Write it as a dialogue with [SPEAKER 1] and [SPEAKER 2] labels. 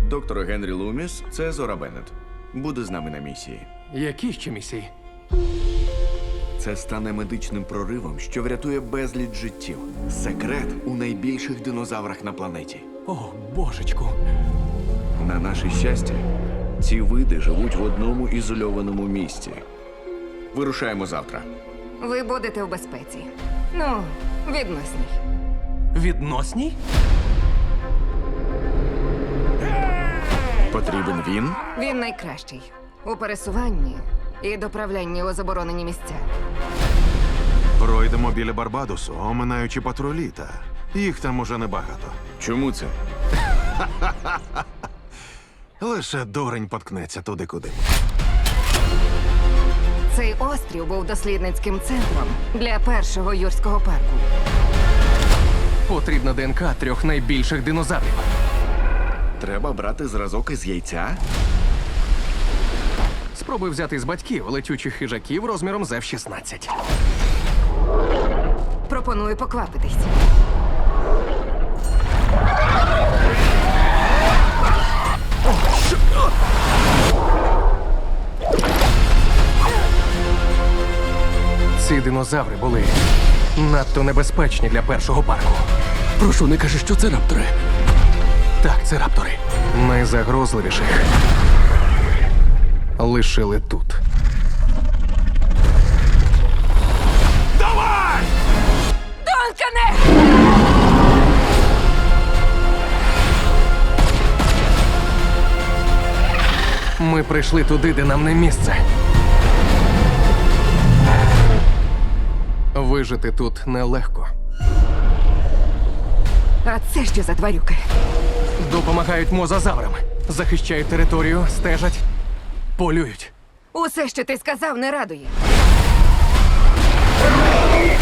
[SPEAKER 1] Доктор Генрі Луміс – це Зора Беннет. Буде з нами на місії.
[SPEAKER 2] Які ще місії?
[SPEAKER 1] Це стане медичним проривом, що врятує безліч життів. Секрет у найбільших динозаврах на планеті.
[SPEAKER 2] О, божечку.
[SPEAKER 1] На наше щастя, ці види живуть в одному ізольованому місці. Вирушаємо завтра.
[SPEAKER 3] Ви будете у безпеці. Ну, відносній.
[SPEAKER 2] Відносній?
[SPEAKER 1] Потрібен він?
[SPEAKER 3] Він найкращий у пересуванні і доправлянні у заборонені місця.
[SPEAKER 4] Пройдемо біля Барбадосу, оминаючи патрулі, та їх там уже небагато.
[SPEAKER 1] Чому це?
[SPEAKER 4] Лише дурень поткнеться туди, куди.
[SPEAKER 3] Цей острів був дослідницьким центром для першого юрського парку.
[SPEAKER 2] Потрібна ДНК 3 найбільших динозаврів.
[SPEAKER 1] Треба брати зразок із яйця?
[SPEAKER 2] Спробуй взяти з батьків летючих хижаків розміром з F-16.
[SPEAKER 3] Пропоную поквапитись.
[SPEAKER 2] Ці динозаври були надто небезпечні для першого парку.
[SPEAKER 5] Прошу, не кажи, що це раптори.
[SPEAKER 2] Так, це раптори. Найзагрозливіших лишили тут.
[SPEAKER 3] Донкане!
[SPEAKER 2] Ми прийшли туди, де нам не місце. Вижити тут нелегко.
[SPEAKER 3] А це що за тварюки?
[SPEAKER 2] Допомагають мозазаврам. Захищають територію, стежать, полюють.
[SPEAKER 3] Усе, що ти сказав, не радує.